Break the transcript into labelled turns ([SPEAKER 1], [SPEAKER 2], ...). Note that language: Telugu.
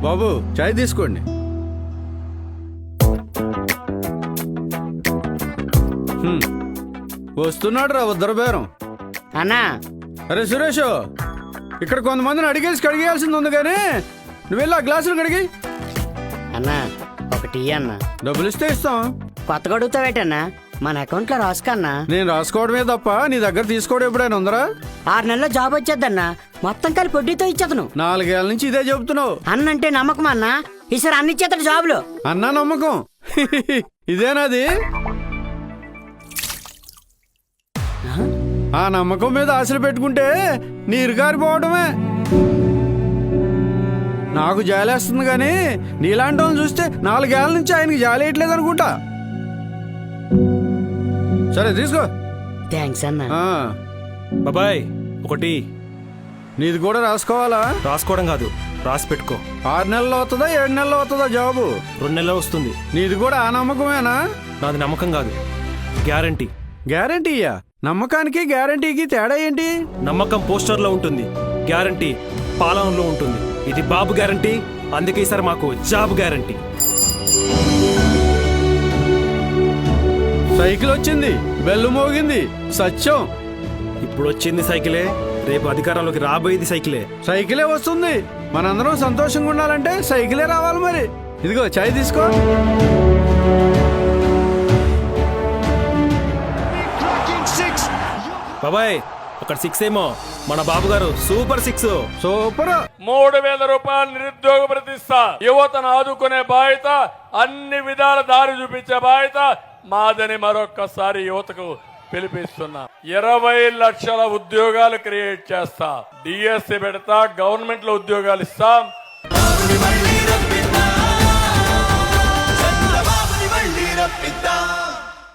[SPEAKER 1] బాబు చాయ్ తీసుకోండి. వస్తున్నాడు రా ఉద్దర బేరం.
[SPEAKER 2] అన్నా
[SPEAKER 1] అరే సురేష్, ఇక్కడ కొంతమందిని అడిగేసి కడిగేయాల్సింది ఉంది కానీ నువ్వు వెళ్ళి ఆ గ్లాసులు కడిగి.
[SPEAKER 2] అన్నా ఒకటి అన్న.
[SPEAKER 1] డబ్బులు ఇస్తే ఇస్తాం.
[SPEAKER 2] కొత్తగా అడుగుతావేటన్నా? మన అకౌంట్ లో రాసుకన్నా.
[SPEAKER 1] నేను రాసుకోవడమే తప్ప నీ దగ్గర తీసుకోవడం ఎప్పుడైనా ఉందరా?
[SPEAKER 2] 6 నెలల్లో జాబ్ వచ్చేద్దన్నా. మొత్తం కలిపి వడ్డీతో ఇచ్చేతను.
[SPEAKER 1] 4 ఏళ్ల నుంచి ఇదే చెబుతున్నావు.
[SPEAKER 2] అన్నంటే నమ్మకం అన్నా. ఈసారి అన్ని ఇచ్చేతడు జాబులు.
[SPEAKER 1] అన్నా నమ్మకం. ఇదేనాది? ఆ నమ్మకం మీద ఆశలు పెట్టుకుంటే నీరు గారిపోవడమే. నాకు జాలేస్తుంది కానీ నీలాంటి వాళ్ళని చూస్తే 4 ఏళ్ల నుంచి ఆయనకి జాలేయట్లేదు అనుకుంటా. సరే తీసుకో.
[SPEAKER 2] థ్యాంక్స్ అన్నా.
[SPEAKER 3] బాబాయ్ ఒకటి.
[SPEAKER 1] నీది కూడా రాసుకోవాలా?
[SPEAKER 3] రాసుకోవడం కాదు, రాసి పెట్టుకో.
[SPEAKER 1] 6 నెలలు అవుతుందా 7 నెలలు అవుతుందా జాబు?
[SPEAKER 3] 2 నెలలు వస్తుంది.
[SPEAKER 1] నీది కూడా ఆ నమ్మకమేనా?
[SPEAKER 3] నాది నమ్మకం కాదు, గ్యారంటీ.
[SPEAKER 1] గ్యారంటీయా? నమ్మకానికి గ్యారంటీకి తేడా ఏంటి?
[SPEAKER 3] నమ్మకం పోస్టర్ లో ఉంటుంది, గ్యారంటీ పాలనలో ఉంటుంది. ఇది బాబు గ్యారంటీ, అందుకే ఈసారి మాకు జాబ్ గ్యారంటీ.
[SPEAKER 1] సైకిల్ వచ్చింది, బెల్లు మోగింది, సత్యం.
[SPEAKER 3] ఇప్పుడు వచ్చింది సైకిలే, రేపు అధికారంలోకి రాబోయేది సైకిలే.
[SPEAKER 1] సైకిలే వస్తుంది. మనందరం సంతోషంగా ఉండాలంటే సైకిలే రావాలి మరి. ఇదిగో చాయ్ తీసుకో.
[SPEAKER 3] బాబాయ్ అక్కడ 6 ఏమో, మన బాబు గారు సూపర్ 6.
[SPEAKER 1] సూపర్.
[SPEAKER 4] 3000 రూపాయలు నిరుద్యోగ ప్రతిష్ట. యువతను ఆదుకునే బాధ్యత, అన్ని విధాల దారి చూపించే బాధ్యత మాదని మరొక్కసారి యువతకు పిలిపిస్తున్నా. 20 లక్షల ఉద్యోగాలు క్రియేట్ చేస్తా. డిఎస్సి పెడతా, గవర్నమెంట్ లో ఉద్యోగాలు ఇస్తాం.